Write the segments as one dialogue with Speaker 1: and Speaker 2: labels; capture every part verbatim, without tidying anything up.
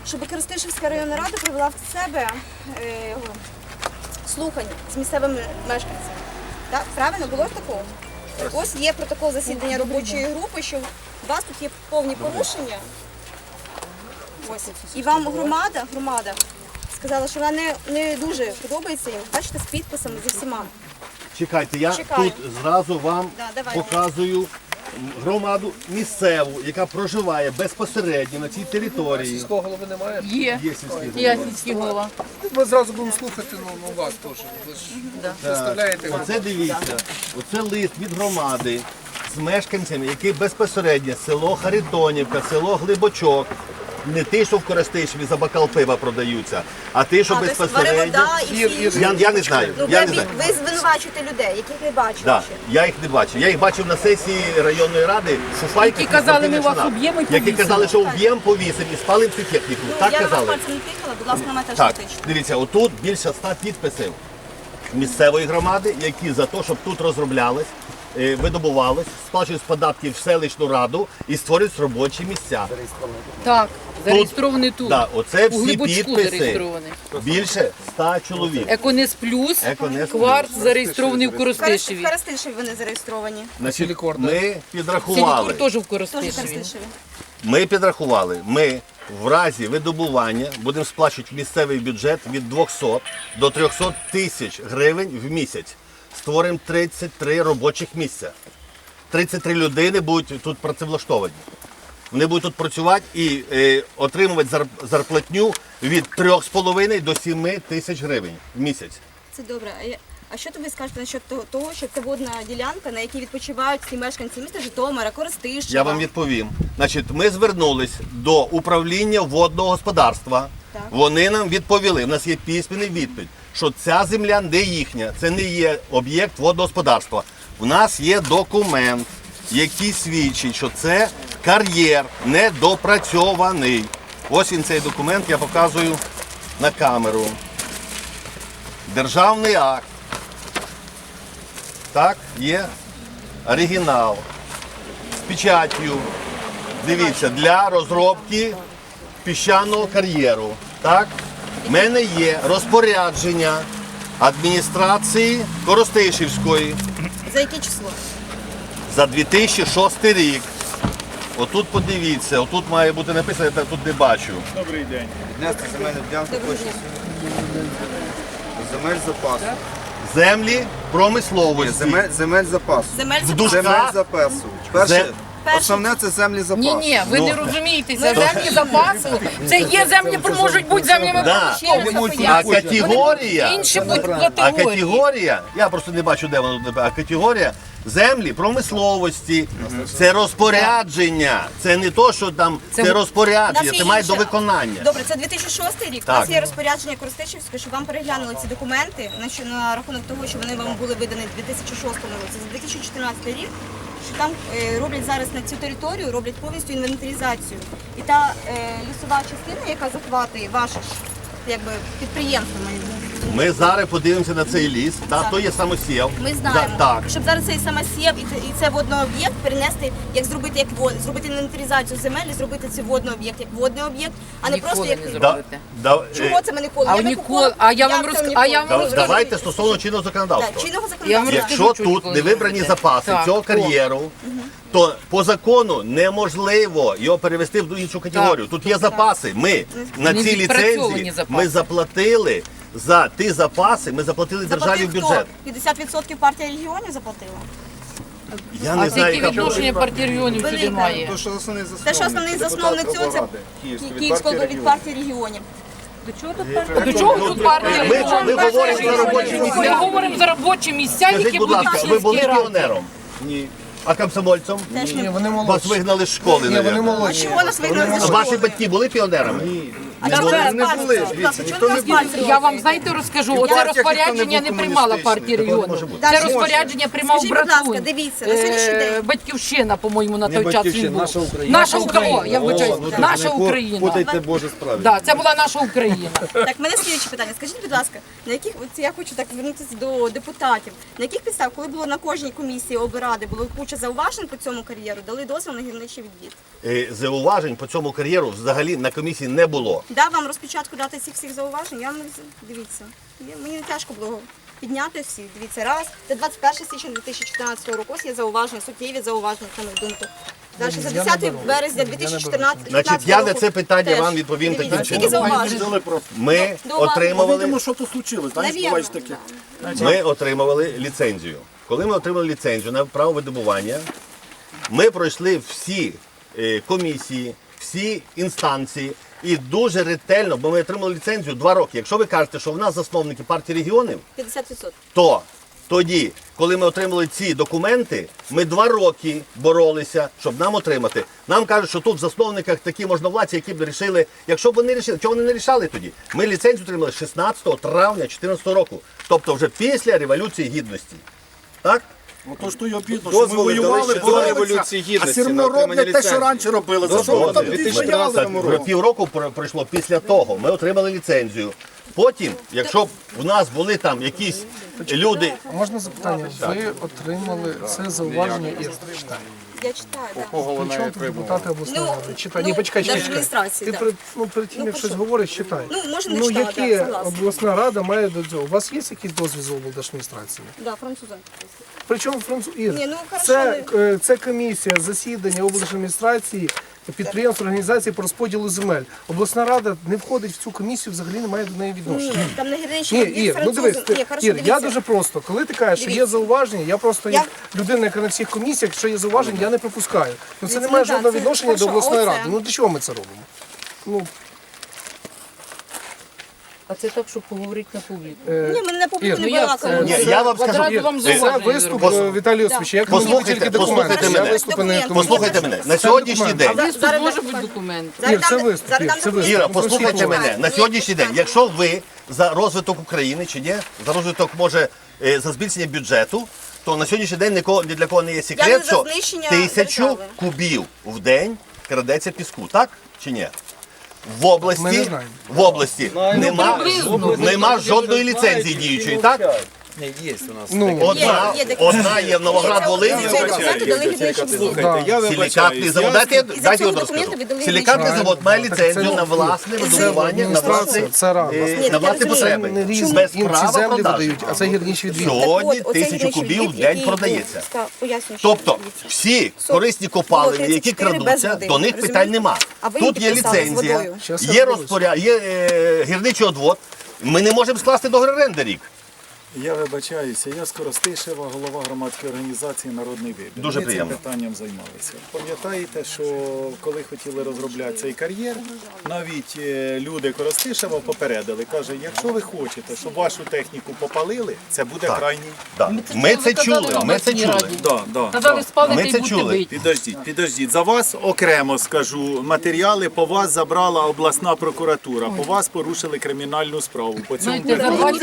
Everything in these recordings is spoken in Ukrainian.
Speaker 1: щоб Коростишівська районна рада провела в себе е, слухання з місцевими мешканцями. Так? Правильно, було ж такого? Ось є протокол засідання робочої групи, що у вас тут є повні порушення. Ось. І вам громада, громада сказала, що вона не, не дуже подобається їм. Бачите, з підписами, зі всіма.
Speaker 2: Чекайте, я
Speaker 1: Чекаю.
Speaker 2: тут зразу вам
Speaker 1: Да, давайте.
Speaker 2: показую громаду місцеву, яка проживає безпосередньо на цій території.
Speaker 3: Сільського голови немає?
Speaker 4: Є.
Speaker 2: Є сільські
Speaker 4: Я сільський голова.
Speaker 3: Ми зразу будемо слухати, ну, ну вас теж. Ви ж представляєте.
Speaker 2: Оце дивіться, оце лист від громади з мешканцями, які безпосередньо село Харитонівка, село Глибочок. Не ті, що в Коростишеві за бокал пива продаються, а ті, що
Speaker 1: А, тобто
Speaker 2: безпосередньо.
Speaker 1: Варевода і
Speaker 3: Ір,
Speaker 1: всі
Speaker 3: ір.
Speaker 1: інші.
Speaker 2: Я, я не знаю.
Speaker 1: Ну,
Speaker 2: Я
Speaker 1: ви,
Speaker 2: не знаю.
Speaker 1: ви звинувачуєте людей, яких не бачили
Speaker 2: Да,
Speaker 1: ще.
Speaker 2: я їх не бачив. Я їх бачив на сесії районної ради Фуфайки.
Speaker 4: Які казали, ми вас уб'ємо і
Speaker 2: Які
Speaker 4: повісимо.
Speaker 2: казали, що уб'ємо, повісимо і спалимо цю техніку.
Speaker 1: Ну,
Speaker 2: Так
Speaker 1: я на вас
Speaker 2: казали.
Speaker 1: пальцем не тикала, будь ласка, на мене теж
Speaker 2: Так,
Speaker 1: не тичте.
Speaker 2: дивіться, отут більше ста підписів місцевої громади, які за те, щоб тут розроблялось, е, видобувалось, сплачують податки в селищну раду і створюють робочі місця.
Speaker 4: Так, зареєстрований тут.
Speaker 2: Да, оце
Speaker 4: У
Speaker 2: всі
Speaker 4: Глибочку
Speaker 2: підписи.
Speaker 4: зареєстрований.
Speaker 2: Більше ста чоловік.
Speaker 4: Еконес плюс,
Speaker 2: Еконес
Speaker 4: кварт зареєстрований в
Speaker 1: В
Speaker 4: Коростишеві.
Speaker 1: Коростишеві вони зареєстровані.
Speaker 2: Значить,
Speaker 3: Сілікор, да.
Speaker 2: ми підрахували.
Speaker 4: Сілікур теж в
Speaker 1: Теж в
Speaker 4: Коростишеві.
Speaker 1: Коростишеві.
Speaker 2: Ми підрахували, ми в разі видобування будемо сплачувати в місцевий бюджет від двохсот до трьохсот тисяч гривень в місяць. Створимо тридцять три робочих місця. тридцять три людини будуть тут працевлаштовані. Вони будуть тут працювати і е, отримувати зар- зарплатню від трьох з половиною до семи тисяч гривень в місяць.
Speaker 1: Це добре. А, я... а що тобі скажете насчет того, того, що це водна ділянка, на якій відпочивають всі мешканці міста Житомира, Коростишева?
Speaker 2: Я вам відповім. Значить, ми звернулись до управління водного господарства.
Speaker 1: Так.
Speaker 2: Вони нам відповіли, у нас є письменний відповідь, що ця земля не їхня, це не є об'єкт водного господарства. У нас є документ, який свідчить, що це кар'єр недопрацьований. Ось він цей документ, я показую на камеру. Державний акт. Так, є оригінал. З печаттю. Дивіться, для розробки піщаного кар'єру. Так? В мене є розпорядження адміністрації Коростишівської
Speaker 1: За яке число?
Speaker 2: за дві тисячі шостий рік. Отут подивіться, отут має бути написано, я тут не бачу.
Speaker 5: Добрий день.
Speaker 6: Внести земельну ділянку
Speaker 1: Доброго
Speaker 6: площі
Speaker 1: дня.
Speaker 6: земель запасу.
Speaker 2: Землі промисловості.
Speaker 6: Земель, земель запасу.
Speaker 1: Земель
Speaker 2: В
Speaker 1: за
Speaker 2: душках.
Speaker 6: Земель запасу. Перше,
Speaker 2: Зе-
Speaker 1: Перше.
Speaker 6: основне це землі запасу.
Speaker 4: Ні, ні, ви
Speaker 2: Ну.
Speaker 4: не розумієте, це землі запасу. Це є землі, можуть бути землями
Speaker 2: Да.
Speaker 1: Ще раз
Speaker 4: промисловості.
Speaker 1: поясню.
Speaker 2: А категорія,
Speaker 4: Інші будуть
Speaker 2: а
Speaker 4: категорії.
Speaker 2: категорія, я просто не бачу, де воно, а категорія землі промисловості, це розпорядження, це не то, що там, це,
Speaker 4: Це-
Speaker 2: розпорядження,
Speaker 1: У нас
Speaker 2: це
Speaker 1: є
Speaker 2: має до
Speaker 1: інше.
Speaker 2: виконання.
Speaker 1: Добре, це дві тисячі шостий рік. У
Speaker 2: Так.
Speaker 1: нас є розпорядження Коростишівської, щоб вам переглянули ці документи на, що- на рахунок того, що вони вам були видані в дві тисячі шостому році. За дві тисячі чотирнадцятий рік, що там е, роблять зараз на цю територію, роблять повністю інвентаризацію. І та е, лісова частина, яка захватує ваше ж якби, підприємство, має бути.
Speaker 2: Ми зараз подивимося на цей ліс, та, то є самосів.
Speaker 1: Ми знаємо,
Speaker 2: Да, так.
Speaker 1: щоб зараз цей самосів і це, і це водний об'єкт перенести, як зробити як вод, зробити інвентаризацію земель, і зробити цей водний об'єкт як водний об'єкт, а не
Speaker 4: Ніколи
Speaker 1: просто як
Speaker 4: не
Speaker 2: Да,
Speaker 4: зробите.
Speaker 2: да, е,
Speaker 1: чого це ми ніколи?
Speaker 4: А
Speaker 1: Я
Speaker 4: в
Speaker 1: би
Speaker 4: Нікол-
Speaker 1: купила-
Speaker 4: а я вам
Speaker 1: Як
Speaker 4: розк-
Speaker 1: це в
Speaker 4: а
Speaker 1: Нікол?
Speaker 4: я вам
Speaker 2: да-
Speaker 4: розкажу.
Speaker 2: давайте стосовно чинного
Speaker 1: Так,
Speaker 2: законодавства.
Speaker 1: чинного
Speaker 4: Я вам
Speaker 1: законодавства.
Speaker 4: розкажу.
Speaker 2: Якщо
Speaker 4: чуть
Speaker 2: тут
Speaker 4: коли
Speaker 2: не вибрані
Speaker 4: будете.
Speaker 2: запаси
Speaker 4: Так,
Speaker 2: цього
Speaker 4: о.
Speaker 2: кар'єру, то по закону неможливо його перевести в іншу категорію. Тут є запаси. Ми на
Speaker 4: Не
Speaker 2: цій
Speaker 4: відпрацьовані
Speaker 2: ліцензії
Speaker 4: запаси.
Speaker 2: ми заплатили за ті запаси, ми заплатили державі в
Speaker 1: Заплатив
Speaker 2: бюджет.
Speaker 1: хто? п'ятдесят відсотків партія регіонів заплатила.
Speaker 2: Я
Speaker 4: А
Speaker 2: не знаю,
Speaker 4: які
Speaker 2: яка
Speaker 4: відношення партії регіонів сюди
Speaker 1: Велике.
Speaker 4: має?
Speaker 6: То, що основний засновник.
Speaker 1: Те, що основний засновник цього, це Київського від партії регіонів.
Speaker 4: До чого тут партія? До чого тут партія?
Speaker 2: Ми, ми говоримо за робочі
Speaker 4: Ми
Speaker 2: місця.
Speaker 4: говоримо за робочі місця,
Speaker 2: Скажіть,
Speaker 4: які
Speaker 2: будь
Speaker 4: будуть
Speaker 2: ласка,
Speaker 4: в
Speaker 2: ви були
Speaker 4: сільській раді.
Speaker 2: піонером? Ні. А комсомольцем?
Speaker 1: Теж не
Speaker 3: Вони
Speaker 2: Вас
Speaker 3: молодші.
Speaker 2: вигнали з школи,
Speaker 3: Ні, вони
Speaker 2: навіть.
Speaker 1: А
Speaker 3: молодші.
Speaker 1: чого нас вигнали
Speaker 2: А
Speaker 1: зі
Speaker 2: ваші
Speaker 1: школи?
Speaker 2: батьки були піонерами?
Speaker 1: А чого ви нас
Speaker 6: не
Speaker 1: пальцем?
Speaker 6: були.
Speaker 1: Будь ласка,
Speaker 6: Ніхто
Speaker 1: чого ви
Speaker 6: не
Speaker 1: нас пальцем?
Speaker 4: Я вам, знаєте, розкажу, оце
Speaker 6: партіях
Speaker 4: розпорядження
Speaker 6: ніхто
Speaker 4: не
Speaker 6: не був
Speaker 4: приймала партія
Speaker 6: комуністичний.
Speaker 4: регіону.
Speaker 2: Такого
Speaker 1: не
Speaker 4: Це
Speaker 1: може
Speaker 4: розпорядження приймав
Speaker 1: Скажіть, будь ласка,
Speaker 4: Братун.
Speaker 1: дивіться, на сьогоднішній
Speaker 4: Е,
Speaker 1: день.
Speaker 4: Батьківщина, по-моєму, на той час він
Speaker 6: Батьківщина,
Speaker 4: був.
Speaker 6: наша Україна.
Speaker 4: Наша Україна, я вибачаюсь, наша Україна.
Speaker 6: Путайте Боже справді.
Speaker 4: Да, це була наша Україна.
Speaker 1: Так, в мене слідче питання. Скажіть, будь ласка, на яких от я хочу так звернутися до депутатів. На яких підстав, коли було на кожній комісії облради, було куча зауважень по цьому кар'єру, дали дозвіл на гірничий відвід?
Speaker 2: Е, Зауважень по цьому кар'єру взагалі на комісії не було.
Speaker 1: дав вам розпечатку дати цих всіх зауважень, я вам не вз- дивіться. Я- Мені не тяжко було підняти всі. Дивіться, раз. Це двадцять перше січня дві тисячі чотирнадцятого року. Ось є зауваження, суттєві зауваження, на мою думку. Далі за десяте березня дві тисячі чотирнадцятого року.
Speaker 2: Значить, я на це питання вам відповім
Speaker 1: Дивіться,
Speaker 2: таким
Speaker 1: скільки
Speaker 2: чином.
Speaker 1: зауважень?
Speaker 2: Ми
Speaker 1: До вас.
Speaker 2: отримували,
Speaker 5: Видимо, що то случилось, знаєш,
Speaker 1: Навірно,
Speaker 5: буваєш таке.
Speaker 2: ми отримували ліцензію. Коли ми отримали ліцензію на право видобування, ми пройшли всі е, комісії, всі інстанції і дуже ретельно, бо ми отримали ліцензію два роки. Якщо ви кажете, що в нас засновники партії регіонів,
Speaker 1: п'ятдесят відсотків.
Speaker 2: то тоді, коли ми отримали ці документи, ми два роки боролися, щоб нам отримати. Нам кажуть, що тут в засновниках такі можновладці, які б вирішили, якщо б вони рішили, чого вони не рішали тоді? Ми ліцензію отримали шістнадцятого травня дві тисячі чотирнадцятого року, тобто вже після Революції Гідності. Так?
Speaker 5: Ото ж то й обідно, що ми
Speaker 6: Дозволи дали
Speaker 5: воювали,
Speaker 6: ще до
Speaker 5: боролися,
Speaker 6: Революції
Speaker 5: а
Speaker 6: Гідності
Speaker 5: все
Speaker 6: на
Speaker 5: одно
Speaker 6: отримання
Speaker 5: роблять те, що
Speaker 6: ліцензії.
Speaker 5: раніше робили. За що ви там
Speaker 6: Дозволи.
Speaker 5: ті стояли?
Speaker 2: Так, півроку про- пройшло після того, ми отримали ліцензію. Потім, якщо б у нас були там якісь люди,
Speaker 3: Можна запитання? Ви отримали це зауваження і читаю.
Speaker 1: Я читаю, так.
Speaker 3: Причому тут депутати обласної
Speaker 1: Ну,
Speaker 3: ради? Читай.
Speaker 1: ну,
Speaker 3: Ні, почекай, чекай, чекай.
Speaker 1: держадміністрації,
Speaker 3: Ти
Speaker 1: да.
Speaker 3: при- ну, перед тим,
Speaker 1: Ну,
Speaker 3: як
Speaker 1: про
Speaker 3: щось
Speaker 1: що?
Speaker 3: говориш, читай.
Speaker 1: Ну, можна не
Speaker 3: Ну,
Speaker 1: читати,
Speaker 3: які
Speaker 1: да, согласна.
Speaker 3: обласна рада має до цього? У вас є якийсь дозвіл з облдержадміністрації?
Speaker 1: Да, французом.
Speaker 3: Причому француз Ір,
Speaker 1: Ні, ну, хорошо,
Speaker 3: це, е, це комісія засідання облдержадміністрації, підприємств, організацій по розподілу земель. Обласна рада не входить в цю комісію, взагалі не має до неї відношення.
Speaker 1: Ні, там на гірничі
Speaker 3: Ні,
Speaker 1: є
Speaker 3: Ір, ну
Speaker 1: французом.
Speaker 3: дивись, ти,
Speaker 1: Ні, хорошо,
Speaker 3: Ір, я
Speaker 1: дивіться.
Speaker 3: дуже просто. Коли ти кажеш, що є
Speaker 1: Дивіться.
Speaker 3: зауваження, я просто
Speaker 1: Я-
Speaker 3: як людина, яка на всіх комісіях, що є зауваження, я не пропускаю. Ну це не
Speaker 1: Дивіться,
Speaker 3: має
Speaker 1: ну, так,
Speaker 3: жодного
Speaker 1: це
Speaker 3: відношення до
Speaker 1: хорошо,
Speaker 3: обласної
Speaker 1: оце.
Speaker 3: ради. Ну для чого ми це робимо? Ну,
Speaker 4: А це так, щоб поговорити на публіку.
Speaker 1: Ні, ми не на
Speaker 3: Ір,
Speaker 1: публіку
Speaker 3: ну
Speaker 1: не
Speaker 4: як
Speaker 1: балакаємо.
Speaker 2: Ні, я вам скажу,
Speaker 4: Одразу
Speaker 2: Ір,
Speaker 4: вам
Speaker 3: це
Speaker 4: зауваження
Speaker 3: виступ
Speaker 4: зроблю.
Speaker 3: е, Віталій Йосифович. Я коментую
Speaker 2: Послухайте,
Speaker 3: тільки документи.
Speaker 2: послухайте
Speaker 3: Я
Speaker 2: мене.
Speaker 3: виступи не
Speaker 1: Документи.
Speaker 2: послухайте мене, на сьогоднішній день,
Speaker 1: Зараз-
Speaker 4: Тут
Speaker 1: зараз
Speaker 4: може
Speaker 1: дам-
Speaker 4: бути документ.
Speaker 1: зараз
Speaker 3: Ір, це
Speaker 1: дам-
Speaker 3: виступ,
Speaker 1: зараз
Speaker 3: Ір,
Speaker 1: дам
Speaker 3: це
Speaker 1: документи.
Speaker 2: Іра,
Speaker 3: Ну,
Speaker 2: послухайте
Speaker 3: послухайте.
Speaker 2: мене. На сьогоднішній день, якщо ви за розвиток України чи ні, за розвиток може е, за збільшення бюджету, то на сьогоднішній день нікого ні для кого не є
Speaker 1: Я
Speaker 2: секрет,
Speaker 1: не за
Speaker 2: що
Speaker 1: знищення
Speaker 2: тисячу
Speaker 1: держави.
Speaker 2: кубів в день крадеться піску, так чи ні? В
Speaker 3: Ми не
Speaker 2: області,
Speaker 3: знаємо.
Speaker 2: в області нема,
Speaker 4: приблизно.
Speaker 2: нема жодної ліцензії діючої, так?
Speaker 6: Ні, є у нас.
Speaker 3: Ну,
Speaker 2: Одна,
Speaker 1: є такі.
Speaker 2: одна є в Новоград-Волині.
Speaker 1: Це документи дали гірничі всі.
Speaker 6: Слухайте, я
Speaker 2: Силікатний
Speaker 6: вибачаюсь.
Speaker 2: завод,
Speaker 6: я-
Speaker 2: дайте,
Speaker 1: І
Speaker 2: дайте
Speaker 1: за
Speaker 2: я
Speaker 1: цього
Speaker 2: розкажу.
Speaker 1: документу віддали
Speaker 2: Силікатний
Speaker 3: гірничі.
Speaker 2: завод має
Speaker 3: Так
Speaker 2: ліцензію
Speaker 3: це-
Speaker 2: на власне видобування, на власне,
Speaker 3: це рада.
Speaker 2: е,
Speaker 1: Ні,
Speaker 2: на
Speaker 1: я
Speaker 2: власні
Speaker 1: розумію.
Speaker 2: потреби.
Speaker 3: Не різні,
Speaker 2: Без
Speaker 3: їм ці
Speaker 2: права
Speaker 3: землі
Speaker 2: продажу.
Speaker 3: видають, а це гірничі відвід.
Speaker 2: Сьогодні
Speaker 1: Так от, оцей
Speaker 2: тисячу
Speaker 1: гірничий
Speaker 2: кубів в
Speaker 1: відвід,
Speaker 2: день
Speaker 1: який
Speaker 2: продається.
Speaker 1: був, так, пояснюю, що
Speaker 2: Тобто
Speaker 1: дивіться.
Speaker 2: всі
Speaker 1: Сот-
Speaker 2: корисні копалини,
Speaker 1: було
Speaker 2: які
Speaker 1: тридцять чотири без
Speaker 2: крадуться,
Speaker 1: води,
Speaker 2: до них
Speaker 1: розумієте?
Speaker 2: питань нема.
Speaker 1: А ви
Speaker 2: Тут є
Speaker 1: підписали з
Speaker 2: ліцензія,
Speaker 1: водою.
Speaker 3: Щас я
Speaker 2: є
Speaker 3: розберусь.
Speaker 2: розпоряд, є е, гірничий одвод. Ми не можемо скласти договір оренди рік.
Speaker 5: Я вибачаюся, я Скоростишева, голова громадської організації «Народний вибір».
Speaker 2: Дуже
Speaker 5: Ми
Speaker 2: приємно.
Speaker 5: цим питанням займалися. Пам'ятаєте, що коли хотіли розробляти цей кар'єр, навіть е, люди Коростишева попередили, каже, якщо ви хочете, щоб вашу техніку попалили, це буде
Speaker 2: Так.
Speaker 5: крайній.
Speaker 2: Да. Ми це чули, ми це чули.
Speaker 5: Да, да,
Speaker 4: Казали,
Speaker 5: да.
Speaker 4: спалити
Speaker 2: Ми
Speaker 4: і
Speaker 2: це
Speaker 4: будете
Speaker 2: чули.
Speaker 4: бити.
Speaker 5: Підождіть, підождіть. За вас окремо скажу, матеріали по вас забрала обласна прокуратура, по вас порушили кримінальну справу. По цьому
Speaker 4: Знаєте, за двадцять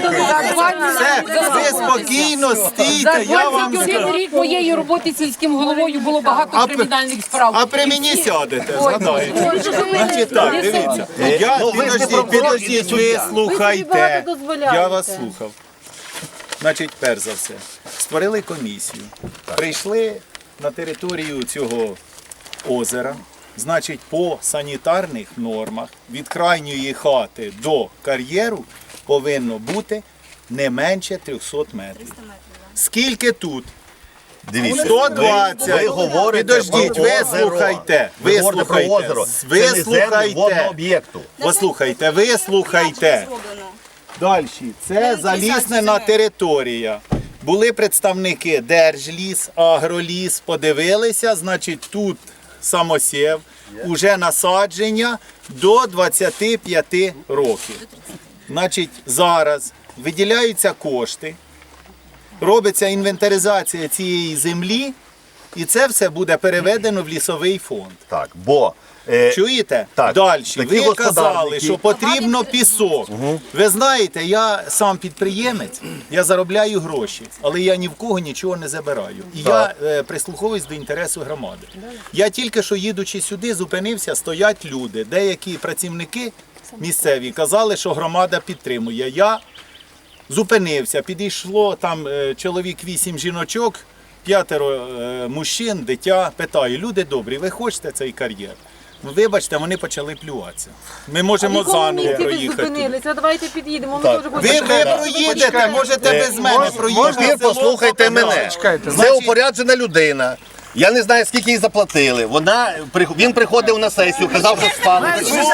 Speaker 5: Все, ви спокійно стійте,
Speaker 4: За
Speaker 5: я вам
Speaker 4: двадцять один
Speaker 5: скажу.
Speaker 4: рік моєї роботи сільським головою було багато
Speaker 5: А при-
Speaker 4: кримінальних справ.
Speaker 5: А при мені сядете, згадаєте.
Speaker 4: Ой,
Speaker 5: Значить так, дивіться. Я,
Speaker 2: Ну, ви ж не
Speaker 5: підождіть,
Speaker 2: прокурор,
Speaker 5: підождіть,
Speaker 2: не
Speaker 5: ви
Speaker 2: суддя.
Speaker 5: слухайте.
Speaker 4: Ви собі багато дозволяєте.
Speaker 5: Я вас слухав. Значить, перш за все, створили комісію. Прийшли на територію цього озера. Значить, по санітарних нормах від крайньої хати до кар'єру повинно бути не менше трьохсот метрів. Скільки тут?
Speaker 2: Дивіться,
Speaker 5: сто двадцять.
Speaker 2: ви, ви говорите
Speaker 5: Підождіть,
Speaker 2: про
Speaker 5: ви
Speaker 2: озеро.
Speaker 5: слухайте,
Speaker 2: Ви
Speaker 5: ви
Speaker 2: говорите про
Speaker 5: слухайте,
Speaker 2: озеро.
Speaker 5: ви
Speaker 2: Це не землі водного
Speaker 5: слухайте.
Speaker 2: об'єкту.
Speaker 5: Послухайте, ви слухайте. Далі, це заліснена територія. Були представники Держліс, Агроліс, подивилися, значить тут самосів, уже насадження до двадцяти п'яти років. Значить, зараз виділяються кошти, робиться інвентаризація цієї землі, і це все буде переведено в лісовий фонд.
Speaker 2: Так, бо е,
Speaker 5: Чуєте?
Speaker 2: так,
Speaker 5: Далі.
Speaker 2: такі
Speaker 5: Ви казали,
Speaker 2: господарники-
Speaker 5: що потрібно пісок. Ви знаєте, я сам підприємець, я заробляю гроші, але я ні в кого нічого не забираю. І
Speaker 2: Так.
Speaker 5: я е, прислуховуюсь до інтересу громади. Я тільки що їдучи сюди, зупинився, стоять люди. Деякі працівники місцеві казали, що громада підтримує. Я зупинився, підійшло там е, чоловік вісім жіночок, п'ятеро е, мужчин, дитя. Питаю, люди добрі, ви хочете цей кар'єр? Вибачте, вони почали плюватися. Ми можемо заново проїхати.
Speaker 7: Зупинилися, давайте під'їдемо. Ми
Speaker 2: Так.
Speaker 7: теж
Speaker 5: Ви,
Speaker 7: хочемо.
Speaker 5: ви проїдете, можете без мене проїхати.
Speaker 2: Тепер послухайте мене.
Speaker 3: Чекайте,
Speaker 2: Це упоряджена людина. Я не знаю, скільки їй заплатили. Вона, він приходив на сесію, казав, що спали.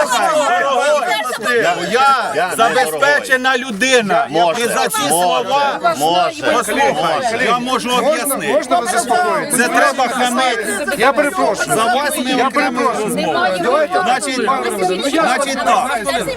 Speaker 2: Я, я, я
Speaker 5: Забезпечена людина.
Speaker 2: Може,
Speaker 5: І за ці
Speaker 2: може,
Speaker 5: слова,
Speaker 2: може,
Speaker 5: послухайте, я можу об'яснити.
Speaker 3: Можна ви заспокоїтесь?
Speaker 5: Це треба хамити.
Speaker 3: Я перепрошую.
Speaker 5: За вас ми окремо розмову. Значить, значить так,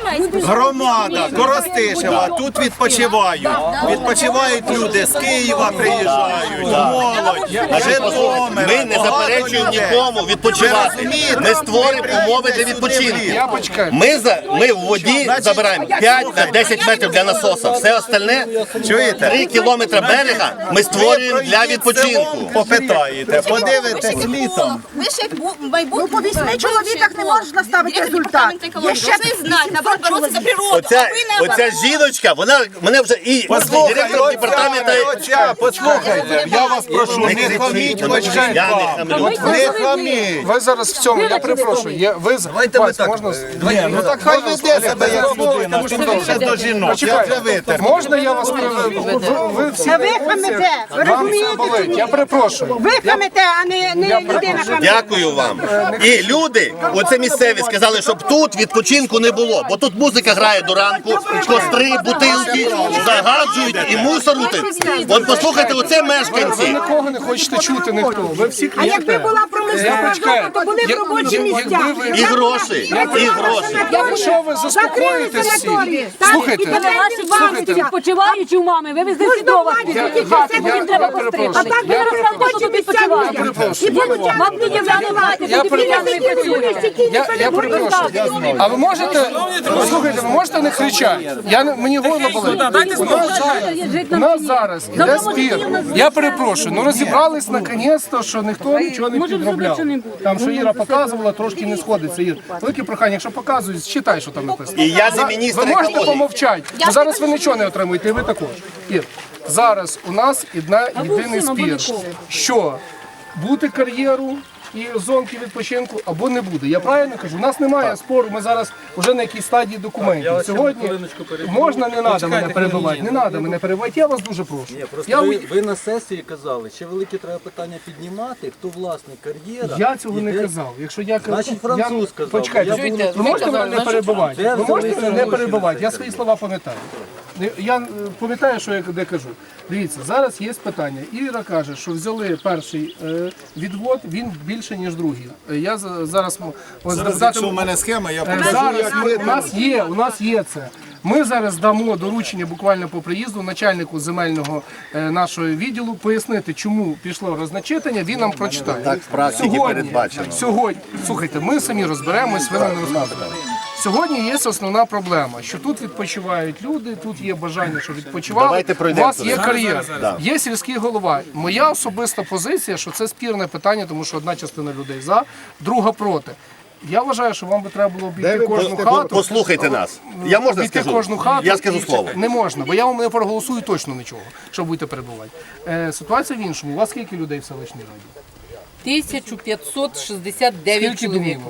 Speaker 5: громада Коростишева, тут відпочивають. Відпочивають люди, з Києва приїжджають, молодь, Житомира.
Speaker 2: Ми не заперечуємо нікому відпочивати. Ми створимо умови для відпочинку.
Speaker 3: Я почекаю.
Speaker 2: Ми, за, ми в воді забираємо п'ять на десять метрів для насоса. Все остальне, чуєте, три кілометри берега ми створюємо для відпочинку.
Speaker 5: Попитаєте, подивитесь літом.
Speaker 1: Ви ще як бу- майбутні.
Speaker 8: Ну, по вісьми чоловіках не можна ставити результат. Є ще
Speaker 1: Ви знаєте, наоборот, боротися за природу.
Speaker 2: Оця,
Speaker 1: а ви наоборот.
Speaker 2: оця жіночка, вона мене вже і директор департаменту.
Speaker 5: Оця, послухайте, я вас прошу, не хаміть хоч
Speaker 2: Я не хамлю.
Speaker 5: не хаміть.
Speaker 3: Ви зараз в цьому, я перепрошую. Є, ви з- Вась, можна?
Speaker 5: Ні, ну так хай веде себе як людина, тим більше до жінок. Я вже
Speaker 3: Почекайте.
Speaker 5: витер.
Speaker 3: Можна я вас переведу? Ви, ви всі
Speaker 8: Ви хамите, ви
Speaker 3: Вам це
Speaker 8: розумієте?
Speaker 3: болить. Я перепрошую.
Speaker 8: Ви хамите, а не, не людина хамите.
Speaker 2: Дякую вам. І люди, оце місцеві, сказали, щоб тут відпочинку не було, бо тут музика грає до ранку, костри, бутилки, загаджують і мусорути. От послухайте, оце
Speaker 3: Ви
Speaker 2: мешканці.
Speaker 3: нікого не хочете чути, ніхто. Ви всі
Speaker 8: А якби
Speaker 3: клієнти.
Speaker 8: була промислова зона, то були б
Speaker 3: Я-
Speaker 8: робочі
Speaker 3: я-
Speaker 8: місця.
Speaker 3: якби ви-
Speaker 2: І гроші, і гроші.
Speaker 3: Якщо ви заспокоїтесь всі, слухайте,
Speaker 7: Ваші відпочиваючі у мами, ви везли сідова
Speaker 3: я- я-
Speaker 7: хати, бо
Speaker 3: я-
Speaker 7: їм треба
Speaker 3: я перепрошую.
Speaker 7: постригати.
Speaker 8: А так ви
Speaker 7: Я
Speaker 8: розказуєте,
Speaker 7: що тут
Speaker 8: місця
Speaker 7: відпочивають.
Speaker 3: Я перепрошую.
Speaker 7: Вам не дівляно брати,
Speaker 3: Я
Speaker 7: бо дівляно не працюють.
Speaker 3: Я, я перепрошую. А ви можете, слухайте, ви можете не кричати? Я, не- мені горло болить. У нас зараз- У нас зараз іде спір. Я перепрошую, ну розібрались наконець-то, що ніхто нічого не підробляв. Там, що Іра показувала, трошки не сходиться. Ір, велике прохання, якщо показують, читай, що там написано.
Speaker 2: І я за міністра
Speaker 3: Ви можете
Speaker 2: екології.
Speaker 3: помовчати, бо зараз ви нічого не отримуєте, і ви також. Ір, зараз у нас одна єдиний спір, що бути кар'єру і зонки відпочинку або не буде. Я правильно кажу? У нас немає спору, ми зараз вже на якійсь стадії документів. Сьогодні можна, не треба мене перебивати, не треба мене перебивати, я вас дуже прошу. Я,
Speaker 9: Ви, ви на сесії казали, ще велике треба питання піднімати, хто власник кар'єра.
Speaker 3: я цього
Speaker 9: і
Speaker 3: не
Speaker 9: де-
Speaker 3: казав. Якщо я
Speaker 9: Значить, француз
Speaker 3: я...
Speaker 9: сказав.
Speaker 3: Почекайте,
Speaker 9: Я
Speaker 3: ви,
Speaker 9: буду-
Speaker 3: ви можете мене не перебивати?
Speaker 9: Де
Speaker 3: Ви можете
Speaker 9: взялися
Speaker 3: мене не
Speaker 9: гроші
Speaker 3: перебивати?
Speaker 9: на
Speaker 3: Я
Speaker 9: це?
Speaker 3: свої слова пам'ятаю. Я е, пам'ятаю, що я де кажу. Дивіться, зараз є питання. Іра каже, що взяли перший е, відвод, він більше, ніж другий. Е, Я за- зараз м- ось
Speaker 5: Зараз,
Speaker 3: дати-
Speaker 5: якщо в мене схема, я
Speaker 3: Е,
Speaker 5: покажу,
Speaker 3: Зараз
Speaker 5: як
Speaker 3: ми, у нас є, у нас є це. Ми зараз дамо доручення буквально по приїзду начальнику земельного е, нашого відділу пояснити, чому пішло розначитання, він нам прочитає.
Speaker 2: Так в практиці передбачено.
Speaker 3: Сьогодні, слухайте, ми самі розберемось, ви нам не розказуєте. Сьогодні є основна проблема, що тут відпочивають люди, тут є бажання, що відпочивали.
Speaker 2: Давайте
Speaker 3: У
Speaker 2: пройдемо
Speaker 3: вас
Speaker 2: туди.
Speaker 3: є кар'єра,
Speaker 2: Да.
Speaker 3: є сільський голова. Моя особиста позиція, що це спірне питання, тому що одна частина людей за, друга проти. Я вважаю, що вам би треба було обійти кожну хату.
Speaker 2: Послухайте нас. Я можна
Speaker 3: Обійти
Speaker 2: скажу?
Speaker 3: кожну хату.
Speaker 2: Я скажу
Speaker 3: і-
Speaker 2: слово.
Speaker 3: Не можна, бо я вам не проголосую точно нічого, що будете перебувати. Е, ситуація в іншому. У вас скільки людей в селищній раді?
Speaker 4: тисяча п'ятсот шістдесят дев'ять
Speaker 3: Скільки
Speaker 4: чоловік.
Speaker 3: думок?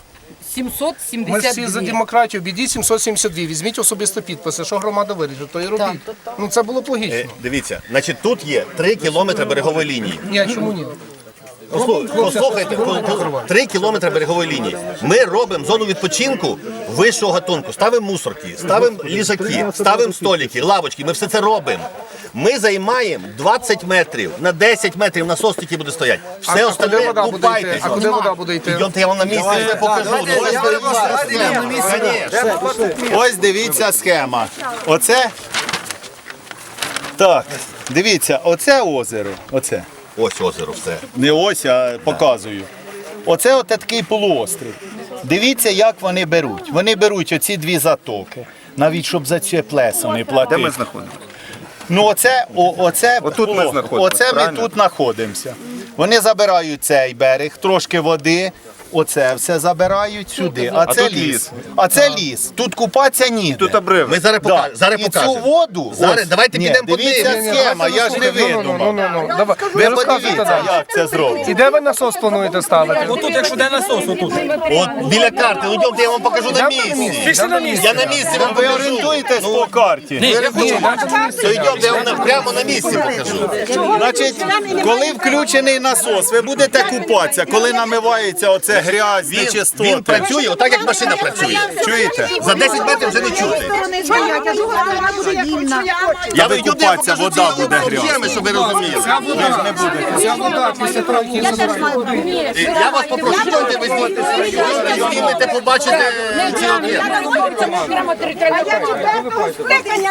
Speaker 4: сімсот
Speaker 3: Ми
Speaker 4: сімдесят
Speaker 3: всі за
Speaker 4: дві.
Speaker 3: демократію, бідіть сімсот сімдесят два, візьміть особисто підписи, що громада вирішить, то і робіть. Ну це було б логічно.
Speaker 2: Е, Дивіться, значить, тут є три кілометри берегової лінії.
Speaker 3: Ні, а чому ні?
Speaker 2: Послу- Послухайте, по- по- три кілометри берегової лінії. Ми робимо зону відпочинку вищого гатунку. Ставимо мусорки, ставимо ліжаки, ставимо столики, лавочки. Ми все це робимо. Ми займаємо двадцять метрів, на десять метрів насос тільки буде стояти. Все
Speaker 3: А- а куди
Speaker 2: остальне
Speaker 3: вода буде
Speaker 2: купайтесь.
Speaker 3: йти? А куди вода буде йти?
Speaker 2: Йдемте, я вам на місці все покажу. Ну, ось Конечно.
Speaker 5: Ось дивіться схема. Оце. Так, дивіться, оце озеро. Оце.
Speaker 2: Ось озеро все.
Speaker 5: Не ось, а показую. Оце от такий полуострів. Дивіться, як вони беруть. Вони беруть оці дві затоки, навіть щоб за це плесо не платити.
Speaker 6: Де ми знаходимося?
Speaker 5: Ну оце, о, оце,
Speaker 6: Отут ми
Speaker 5: о,
Speaker 6: знаходимося,
Speaker 5: Оце ми
Speaker 6: правильно?
Speaker 5: тут знаходимося. Вони забирають цей берег, трошки води, оце все забирають сюди, а це
Speaker 2: тут
Speaker 5: ліс.
Speaker 2: ліс.
Speaker 5: А це ліс. Тут купатися ніде.
Speaker 2: Тут обрив. Ми зараз, пока...
Speaker 5: Да.
Speaker 2: зараз
Speaker 5: І
Speaker 2: покажемо.
Speaker 5: цю воду,
Speaker 2: Зараз,
Speaker 5: ось,
Speaker 2: давайте
Speaker 5: ні,
Speaker 2: підемо
Speaker 5: дивіться
Speaker 2: подивимося.
Speaker 5: схема, я ж не
Speaker 3: Ну, ну,
Speaker 5: видумав.
Speaker 3: ну, ну, давай.
Speaker 5: Ви
Speaker 3: Розказуйте
Speaker 5: подивіться,
Speaker 3: далі.
Speaker 5: як це зроблено.
Speaker 3: І де ви насос плануєте ставити?
Speaker 9: Отут, якщо де насос, отут.
Speaker 2: От біля карти, ну йдемте, я вам покажу на місці.
Speaker 9: Пішли на місце.
Speaker 2: Я на місці вам
Speaker 5: Ви
Speaker 2: покажу.
Speaker 5: орієнтуєтесь по карті.
Speaker 9: Ні, я хочу.
Speaker 2: То йдемте, я вам на- прямо на місці покажу.
Speaker 5: Значить, коли включений насос, ви будете купатися, коли намивається оце грязь,
Speaker 2: Він,
Speaker 5: нечистоти.
Speaker 2: він працює отак, як машина працює.
Speaker 5: Чуєте?
Speaker 2: За десять метрів вже не чути.
Speaker 5: Я
Speaker 2: ви
Speaker 5: ви
Speaker 2: йдете,
Speaker 5: купатися,
Speaker 2: покажу
Speaker 5: вода
Speaker 2: ці
Speaker 5: буде
Speaker 2: ферми,
Speaker 5: грязна.
Speaker 2: щоб ви розуміли.
Speaker 3: Ця вода після того, як її забирають.
Speaker 2: І Я вас попрошу, йдемте, ви знімете, знімете, побачите ці об'єкти.
Speaker 4: Це окремо територіальна.